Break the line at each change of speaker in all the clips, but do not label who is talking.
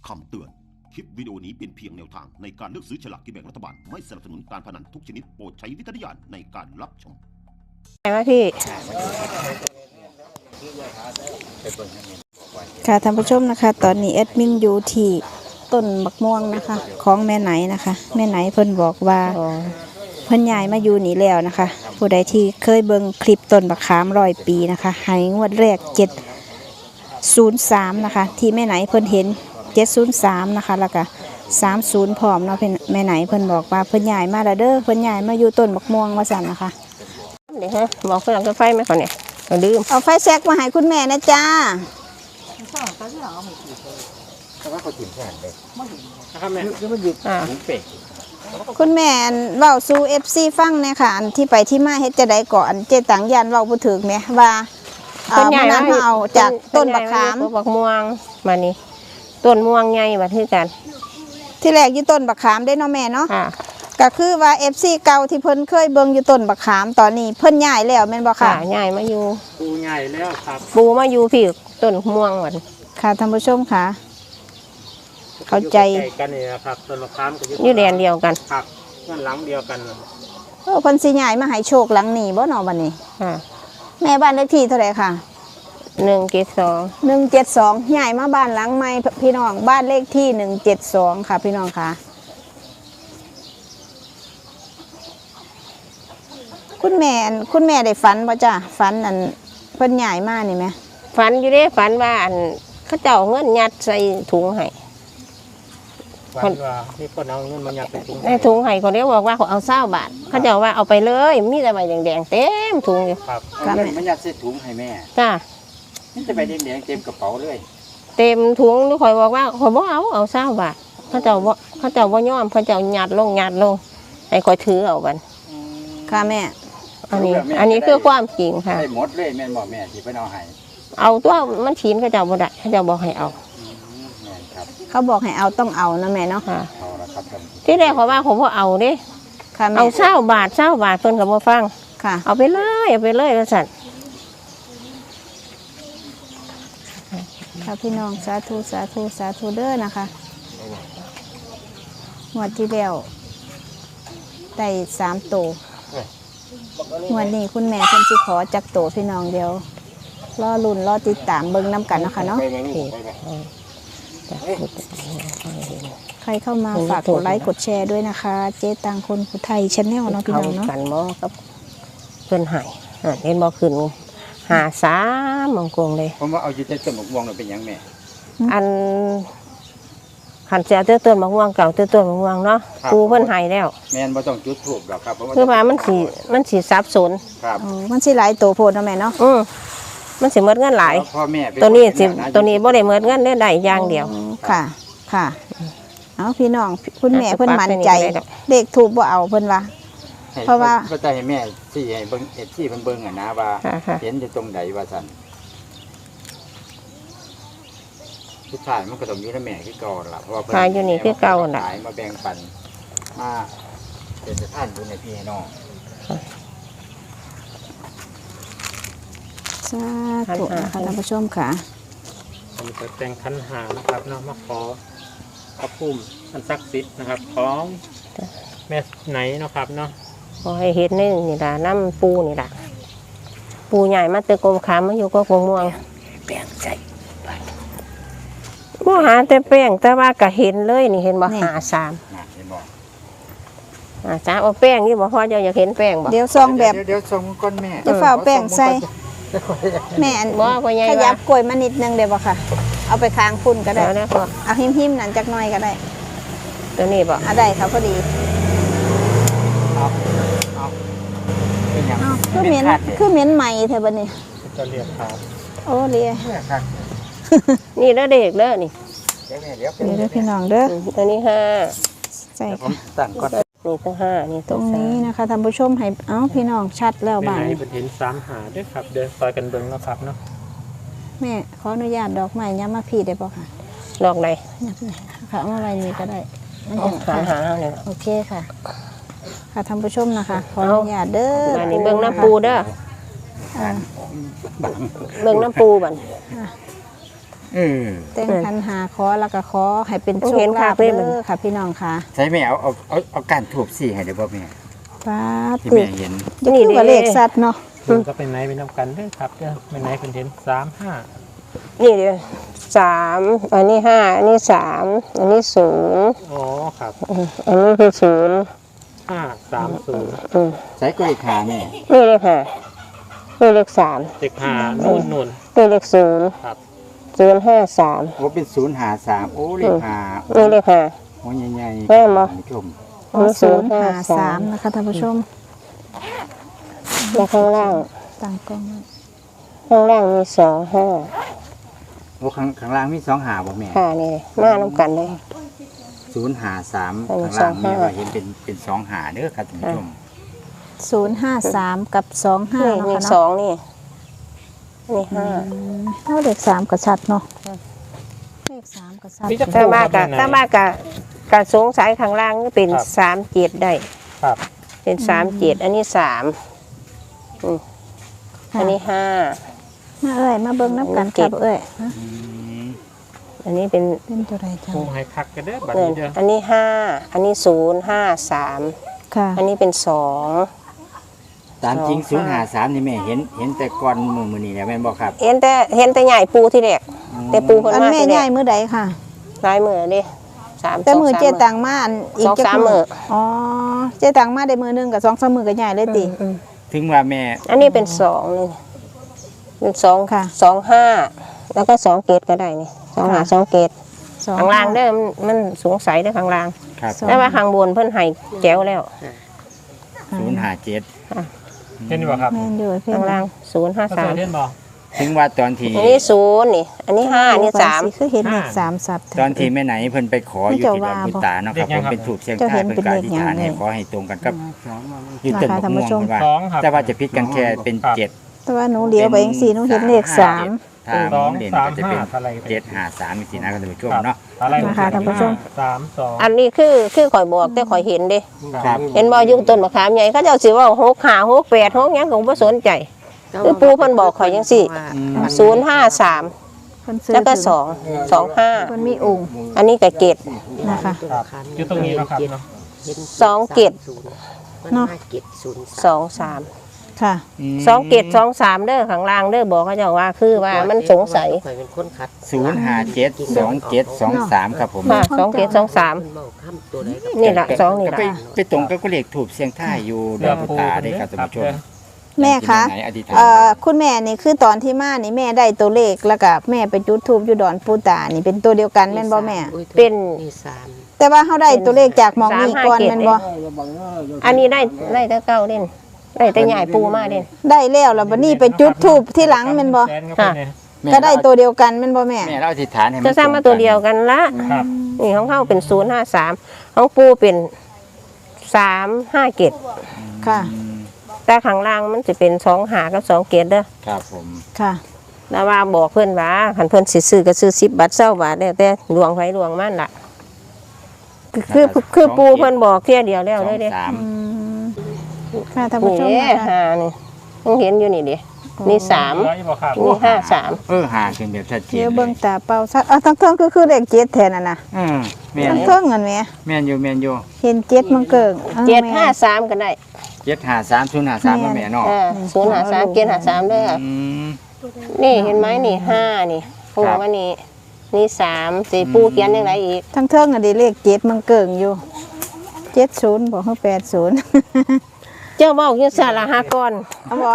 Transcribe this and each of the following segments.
คำเตือนคลิปวิดีโอนี้เป็นเพียงแนวทางในการเลือกซื้อฉลากกินแบ่งรัฐบาลไม่สนับสนุนการพนันทุกชนิดโปรดใช้วิจารณญาณในการรับชม
ไหนวะพี่ค่ะท่านผู้ชมนะคะตอนนี้แอดมินอยู่ที่ต้นบักม่วงนะคะของแม่ไหนนะคะแม่ไหนเพิ่นบอกว่าเพิ่นย้ายมาอยู่นี่แล้วนะคะผู้ใดที่เคยเบิ่งคลิปต้นบักขาม100 ปีนะคะให้งวดแรก703นะคะที่แม่ไหนเพิ่นเห็น703นะคะแล้วก็30พร้อมเนาะแม่ไหนเพิ่นบอกว่าเพิ่นย้ายมาแล้วเด้อเพิ่นย้ายมาอยู่ต้นบักม่วงว่าซั่นนะคะ
เดี๋ยวฮะบอกเพื่อนเอาไฟไหมเขาเนี่ยเราลืม
เอาไฟแซกมาให้คุณแม่นะจ้าคุณแม่เว้าสู่ FC ฟังเนี่ยค่ะอันที่ไปที่มาเฮ็ดจะได้ก่อนเจตังยันเว้าบ่ถึกแม่ว่าเมื่อนั้นเอาจากต้นบักขาม
บักม่วงมานี่ต้นม่วงใหญ่มาที่กัน
ที่แรกอยู่ต้นบักขามได้เนาะแม่เนาะก็คือว่า FC เก่าที่เพิ่นเคยเบิ่งอยู่ต้นบักขามตอนนี้เพิ่นย้ายแล้วแม่นบ่ค่ะ
ย้ายมาอยู่
ปูใหญ่แล้วครับ
ปูมาอยู่พี่ต้นม่วงหมด
ค่ะท่านผู้ชมค่ะเข้าใจ
กันนี่นะครับต้นบักขามก็
อยู่แดนเดียวกัน
ครับเงินหลังเดียวกัน
เพิ่นสิย้ายมาให้โชคหลังนี้บ่เนาะบัดนี้แม่บ้านเลขที่เท่าไหร่ค่ะ172ย้ายมาบ้านหลังใหม่พี่น้องบ้านเลขที่172ค่ะพี่น้องค่ะคุณแม่ได้ฝันบ่จ้ะฝันอันเพิ่นย้ายมานี่ไหม
ฝันอยู่เด้ฝันว่าอันเขาเจ้าเงินยัดใส่ถุงให้
ฝันว่ามีคนเอาเงินมายัด
ในถุงให้คนเดียวบอกว่าเขาเอา20 บาทเขาเจ้าว่าเอาไปเลยมีแต่ใบแดงๆเต็มถุงอยู่
ครับเอาเงินมายัดใส่ถุงให้แม่
จ้า
นี่จะใบแดงๆเต็มกระเป๋าเลย
เต็มถุงนี่คอยบอกว่าคอยบอกเอา20 บาทเขาเจ้าว่ายอมเขาเจ้ายัดลงให้คอยถือเอากัน
ค่ะแม่
อันนี้คือความจริงค่ะ
ให้หมดเลยแม่บอกแม่ที่ไปเอาให้
เอาตัวมันฉีนเขาเจ้าบ่ได้เขาเจ้าบอกให้เอา
เขาบอกให้เอาต้องเอานะแม่เนาะ
ที่แรกเขาว่าผมว่าเอาดิเอา20 บาทเพิ่นก็บ่ฟัง
ค่ะ
เอาไปเลยว่าซั่น
ค่ะพี่น้องสาธุเด้อนะคะงวดที่แล้วได้3 โตวันนี้คุณแม่เพิ่นสิขอจักโตพี่น้องเดียวรอลุ้นรอติดตามเบิ่งนำกันนะคะเนาะใครเข้ามาฝากกดไลค์กดแชร์ด้วยนะคะเจ๊ตังคนผู้ไทยชาแนลเนาะพี่น้องเนาะ
กันบ่กับเพิ่นให้เห็นบ่ขึ้น53มงกงเลย
ผมว่าเอาอยู่ในต้นมะม่วงน่ะเป็นหยังแม่
อันขันเสียเต้นมะม่วงเก่าต้นมะม่วงเนาะปูเพิ่นให้แล้ว
แม่นบ่ต้องจุดธูปหรอกครับ
คือว่ามันสิสับสน
ครับ
มันสิหลายโตโพดเนาะแม่เนาะ
มันสิหมดเงินหลายตัวนี้บ่ได้หมดเงินได้อย่างเดียว
ค่ะเอาพี่น้องคุณแม่เพิ่นมั่นใจเลขถูกบ่เอาเพิ่นว่าเพราะว่า
ก็จะให้แม่ที่ให้เบิ่งที่เพิ่นเบิ่งอ่ะนะว่าเห็นอยู่ตรงใดว่าซั่นผู้ชายมันก็ต้องอยู่ในแม่คือเก่าล่ะเพราะว่าเพิ่
นอยู่นี่คือเก่าน่ะ
มาแบ่งปันมาเป็นสถานอยู่ในพี่น้อง
สาธุนะคะท่านผู้ชมค่ะ
ผมจะแต่งขันหานะครับเนาะมาขอพระภูมิอันศักดิ์สิทธิ์นะครับของแม่ไหนเนาะครับเนาะ
ขอให้เห็นนี่ล่ะน้ำปูนี่ล่ะปูใหญ่มาเตะกลมขามมาอยู่ก็กงม่วง
แป้งใจ
บ่หาแต่แป้งแต่ว่าก็เห็นเลยนี่เห็นบ่53
เห็นบ่
53เอาแป้งนี่บ่พอเจ้าอยากเห็นแป้งบ่
เดี๋ยวซองแบบ
เดี๋ยวซองก้อนแม่
จะฝ่าแป้งใส่แม่ขยับกล้วยมานิดนึงเดี๋ยวบ่ค่ะเอาไปค้างพุ่นก็ได้เอาหิ้มนั่นจักหน่อยก็ได้
ตัวนี้บ่
ได้ครับพอดี
เอาเป็นหยัง
คือเหม็นใหม่แถวบัดนี้
จะเรียกครับ
โอ้เรีย
นี่เด้อเด็กเด้อนี่
เดี๋ยวพี่น้องเด้อ
ตัวนี้
5ใส่
ผมตั้งก่อน
นี่ตัว5นี่
ตรงนี้นะคะท่านผู้ชมให้พี่น้องชัดแล้วบ้าง
นี่เป็นเห็น3 หาด้วยครับเดินซอยกันเบิ่งแล้วครับเนาะ
แม่ขออนุญาตดอกไม้ย้ำมาพี่ได้ป่ะค่ะ
ดอกไหน
ค่ะเอามาไว้นี่ก็ได้
มันจะหาเนี่ย
โอเคค่ะค่ะท่านผู้ชมนะคะขออนุญาตเด้อ
นี่เบิ่งน้ำปูเด้อเบิ่งน้ำปูบัน
แต่งขันหาขอแล้วก็ขอให้เป็นโชคลาภเด้อค่ะพี่น้องค่ะ
ใช่แม่เอาการถูกสี่ให้ได้บ่แม่
ป้า
ที่
ตึ
แม่
ก
เห็น
นี่คือว่าเลขสัตว์เนาะ
คุณก็เป็นไหนเป็นน้ำกันเด้อครับเด้อเป็นไหนเป็นเห็น35
นี่เดียว3อันนี้5อันนี้3อันนี้0
อ๋อครับ
อันนี้คือ0
530
ใช้กล้วยขาแม่
นี่เลข5นี่เลข3
เด็กหานู่น
นี่เลข0
ครับ
053
โอ้เป็น053โอ้เลขหา
นี่เลข5
โอ้ใหญ่ๆ
แม่นบ่
ท่านผู้ชม
อ๋อ053นะคะท่านผู้ชม
แล้วข้างล่าง
ตั้งกล้องไว้
ข้างล่างมี25
โอ้ข้างล่างมี2หาบ่แม่
ค่ะนี่มาน้ำกันเลย
053
อันนี้
ข้างล่าง
25
แม่ว่าเห็นเป็น2หาเด้อครับท่านผู้ชม
053กับ25
นี่
เนาะ
นี่
ค่ะ
สอ
เนาะ
งนี่นี่ห้า
เอาเลข3ก็ชัดเนาะเลข3ก็ชัด
มีจะ
ถ้า
คู่
มา
ค
กะ
รับ
ถ้ามากะกะสงสัยข้างล่างนี่เป็น37ได้
ครับ
เป็น37อันนี้3อันนี้5
มาเอ้ยมาเบิ่งน้ำกันครับเอ้ยฮะ
อันนี้เป็น
เป็นตัวใดจ้ะ
คู่ให้คักกันเด้อบัด
เงิน
นี้เด้อ
อันนี้5อันนี้053
ค่ะ
อันนี้เป็น2
ตามจริง
สองห้า
053นี่แม่เห็นแต่ก่อนมื้อนี้แล้วแม่นบ่ครับ
เห็นแต่ใหญ่ปูที่แรกแต่ปูเพิ่น
อัน
มา
แม่
ที่แร
ใหญ่
ก
มื้อใดค่ะ
หลายมื้อเด้3
แต่มือเจ
2-3
ตังมาอันอีก
สอง
จัก
สามมื้อ
อ๋อเจตังมาได้มือหนึงกับ2-3มื้อก็ใหญ่เลยติ
ถึงว่าแม่
อันนี้เป็น2นี่เป็น2
ค่ะ
2 5แล้วก็2เกตก็ได้นี่2หา2เกต ข้างล่างเด้อมันสงสัยเด้อข้างล่าง
ครับ
แต่ว่าข้างบนเพิ่นให้แจ๋วแล้ว
057
เห็นบ่ครับ
แม่นอยู่เพิ่น
ข้างล่าง
ภาษาเล่น
053
บ่
ถึงว่าตอนที่
อันนี้0นี่ อันนี้5อันนี้
สิคือเห็นเลข3สับ
ตอนที่แม่ไหนเพิ่นไปขออยู่ที่ดอนบุตาเนาะครับ
เด็กยั
ผม
งครับ
เป็นถูกเชียง
เจ้า
ใต้
เห็น
เพิ่น
เป็น
กา
เลข
ธิษ
ยัง
ฐาน
ไง
ให้ขอให้ตรงกันกับอยู่ต้น
นะคะ
มะม่วง
ท่านผู้ชม
เพิ่นว่า
2ครับ
แต่ว่าจะพิดกันแค่เป็น
ครับ
7
แต่ว่าหนูเลี้ยวไปจังซี่หนูเห็นเลข3
ถ้า
สอง
เด่น
สาม
ก็จะเป็น
ห้าอะไร
753สินะครับท่านผู้ชมเนาะ
อะไร
นะคะท่านผู้ชม
32
อันนี้คือข่อยบอกแต่ข่อยเห็นเด้
ครับ
เห็นบ่อยู่ต้นมะขามใหญ่เขาเจ้าสิเว้า6 5 6 8 6หยังก็บ่สนใจคือปู่เพิ่นบอกข่อยจังซี่053
เพิ่นซื้อ
แล้วก็
ถึง
2
เพิ่นมีองค์
25อันนี้ก็เกต
นะคะ
ครับอยู่ตรงนี้เนาะครับเนาะ
2เกต
เนาะ
23
ค่ะ
2เกต23เด้อข้างล่างเด้อบอกเขาเจ้าว่าคือว่ามันสงสัย
0572723ครับผม
ค่ะ2เกต23นี่ล่ะ2นี่
ก็
ล่ะ
ไปตรงกับก็เลขถูกเสียงท่ายอยู่ดอนบุตาได้ครับท่านผู้ชม
แม่คะ
ไหนอธิษฐาน
คุณแม่นี่คือตอนที่มานี่แม่ได้ตัวเลขแล้วก็แม่ไปจุดธูปอยู่ดอนปูตานี่เป็นตัวเดียวกันแม่นบ่แม่
เป็น
แต่ว่าเฮาได้ตัวเลขจากหมองนี้ก่อนแม่นบ่
อันนี้ได้แต่เก้าเล่นได้แต่ใหญ่ปูมาเล่น
ได้แล้วแล้วบัดนี้ไปจุดธูปที่หลังแม่นบ่
แสนก็เป็นไง
ก็ได้ตัวเดียวกันแม่นบ่แม่
แม่เราอธิษฐานให้
ก็สร้างมาตัวเดียวกันละ
ครับ
นี่ของเขาเป็น053ของปูเป็น357
ค่ะ
แต่ข้างล่างมันจะเป็น2หากับ2เกตเด้อ
ครับผม
ค่ะ
แล้วว่าบอกเพื่อนว่าคันเพื่อนสิซื้อก็ซื้อ10 บาท20 บาทได้แต่หลวงไผหลวงมันล่ะคือปูเพื่อนบอกเที่ยเดียวแล้วเลยเด้
2-3
อืมค่ะท่านผู้ชม
นี่
นะคะ
หานี่ต้องเห็นอยู่นี่ดินี่3
ร้อยบ่ครับ
นี่53
หาขึ้นแบบชัดเจน
เดี๋ยวเบิ่งตาเป่าซัดทั้งเทิงคือเลข7แทนน่ะนะ
แม่น
ทั้งเทิงนั่นแหม
แม่นอยู่แม่นอยู่
เห็น7มันเกิงแม่
753ก็ได้
753 053มาแม่เนาะ
053เกต53เด้อ
อืม
นี่เห็นไหมนี่5นี่ปูว่านี่3สิปูเขียนจังไดอีก
ทั้งเทิงอันนี้เลข7มันเกิงอยู่70บ่คือ80
เจ้าเว้าอยู่สารหากร
เอาบ่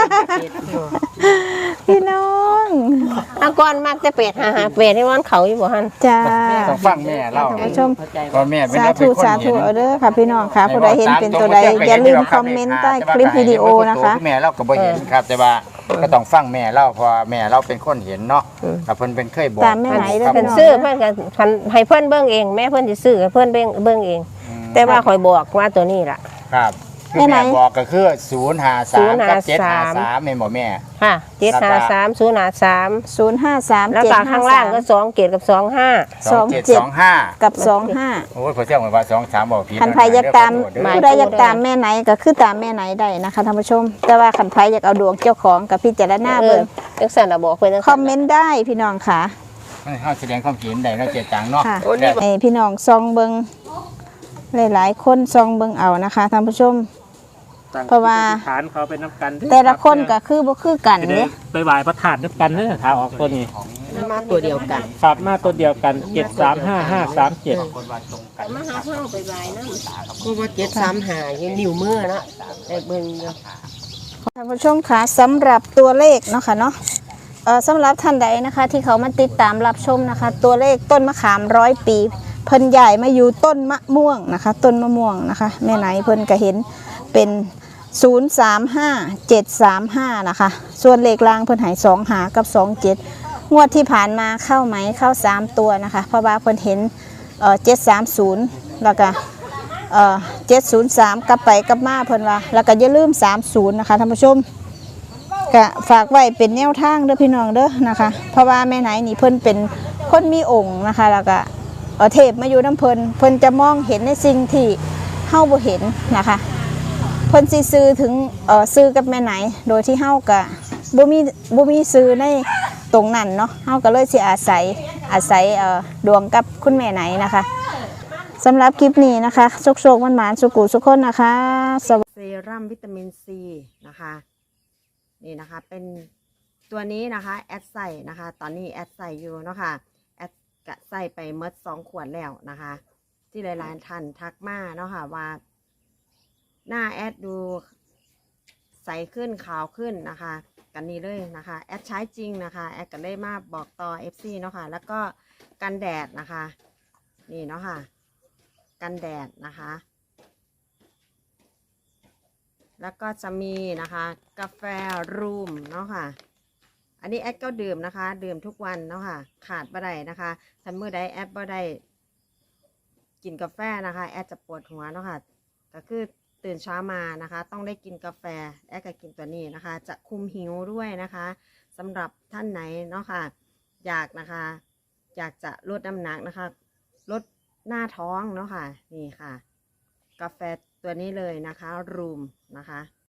พี่น้อง
หากรมักแต่เป็ดหาเป็ดให้วันเขาอยู่บ่หั่น
จ้า
ต้องฟังแม่เล่า
ท่านผู้ชม
ก็แม่เป็น
สา
เราเป็
ธุ
นคน
สา
เห็
ธุ
น
เอาเด้อค่ะพี่น้องค่ะผู้ใดเห็นเป็นตัวใดอย่าลืมคอมเมนต์ใต้คลิปวิดีโอนะคะ
แม่เราก็บ่เห็นครับ แต่ว่าก็ต้องฟังแม่เล่าเพราะว่าแม่เราเป็นคนเห็นเนาะแต่เพิ่นเป็นเคยบอก
ตามแม่ไหนเด้อ
ครับ
เพิ่นซื้อเพิ่นก็คันให้เพิ่นเบิ่งเองแม่เพิ่นสิซื้อให้เพิ่นเบิ่งเอง แต่ว่าข่อยบอกว่าตัวนี้ล่ะ
ครับคือแม่บอกก็คือ053กับ753แม่นบ่แม่
ค่ะ753 053
053
แล้วก็ข้างล่างก็2เกตกับ25
2725
กับ25
โอ้ยพอเที่ยงว่า23บอกผิด
ขันไผอยากตาม
หมาย
ผู้ใดอยากตามแม่ไหนก็คือตามแม่ไหนได้นะคะท่านผู้ชม แต่ว่าขันไผอยากเอาดวงเจ้าของกับพิจารณา
เอ
เบิ่
อง จังซั่นน่ะบอกเพิ่นจัง
คอมเมนต์ได้พี่น้องค่ะ
เฮาแสดงความเห็นได้เนาะเจ๊ตังเนาะ
ค่ะ
โอ้นี่
ให้พี่น้องซองเบิงหลายๆคนซองเบิงเอานะคะท่านผู้ชม
ตั้ง
เพราะว่า
จิตอธิษฐานเขาเป็นน้ำกันเด้อ
แต่ละคน
ครั
ก็
บ
คือบ่คือกัน
เดี๋
เด้
ยวไปไหว้พระธาตุน้ำกันเด้อถ้าออกตัวนี้
มาตัวเดียวกัน
ครับมาตัวเดียวกัน735537
คนว่าตรงกัน
มาหาเพิ่งไปบายนะก็ว่า735ยังนิ้วมือนะไอ้เบิ่งอยู่
ท่านผู้ชมคะสำหรับตัวเลขเนาะค่ะเนาะสำหรับท่านใดนะคะที่เขามาติดตามรับชมนะคะ ตัวเลขต้นมะขาม100 ปี เพิ่นใหญ่มาอยู่ต้นมะม่วงนะคะ ต้นมะม่วงนะคะแม่ไหนเพิ่นก็เห็นเป็น035735นะคะส่วนเลขล่างเพิ่นใหาย2หากับ27งวดที่ผ่านมาเข้าไหมเข้า3ตัวนะคะเพราะว่าเพิ่นเห็น730แล้วก็703กลับไปกลับมาเพิ่นว่าแล้วก็อย่าลืม30นะคะท่านผู้ชมก็ฝากไว้เป็นแนวทางเด้อพี่น้องเด้อนะคะเพราะว่าแม่ไหนนี่เพิ่นเป็นคนมีองค์นะคะแล้วก็เทพมาอยู่น้ำเพิ่นจะมองเห็นในสิ่งที่เฮาบ่เห็นนะคะเพิ่นสิซื้อถึงซื้อกับแม่ไหนโดยที่เฮาก็บ่มีซื้อในตรงนั้นเนาะเฮาก็เลยสิอาศัยดวงกับคุณแม่ไหนนะคะสำหรับคลิปนี้นะคะโชคๆหวานๆสุขุสุขคนนะคะ
เซรั่มวิตามินซีนะคะนี่นะคะเป็นตัวนี้นะคะแอดใส่นะคะตอนนี้แอดใส่อยู่เนาะค่ะแอดกะใส่ไปเมด2 ขวดแล้วนะคะที่หลายๆท่านทักมาเนาะค่ะว่าหน้าแอดดูใสขึ้นขาวขึ้นนะคะกันนี้เลยนะคะแอดใช้จริงนะคะแอดก็ได้มาบอกต่อ FC เนาะค่ะแล้วก็กันแดดนะคะนี่เนาะค่ะกันแดดนะคะแล้วก็จะมีนะคะกาแฟรูมเนาะค่ะอันนี้แอดก็ดื่มนะคะดื่มทุกวันเนาะค่ะขาดบ่ได้นะคะถ้าเมื่อใดแอดบ่ได้กินกาแฟนะคะแอดจะปวดหัวเนาะค่ะก็คือตื่นเช้ามานะคะต้องได้กินกาแฟแอดก็กินตัวนี้นะคะจะคุมหิวด้วยนะคะสำหรับท่านไหนเนาะค่ะอยากจะลดน้ำหนักนะคะลดหน้าท้องเนาะค่ะนี่ค่ะกาแฟตัวนี้เลยนะคะรูมนะคะ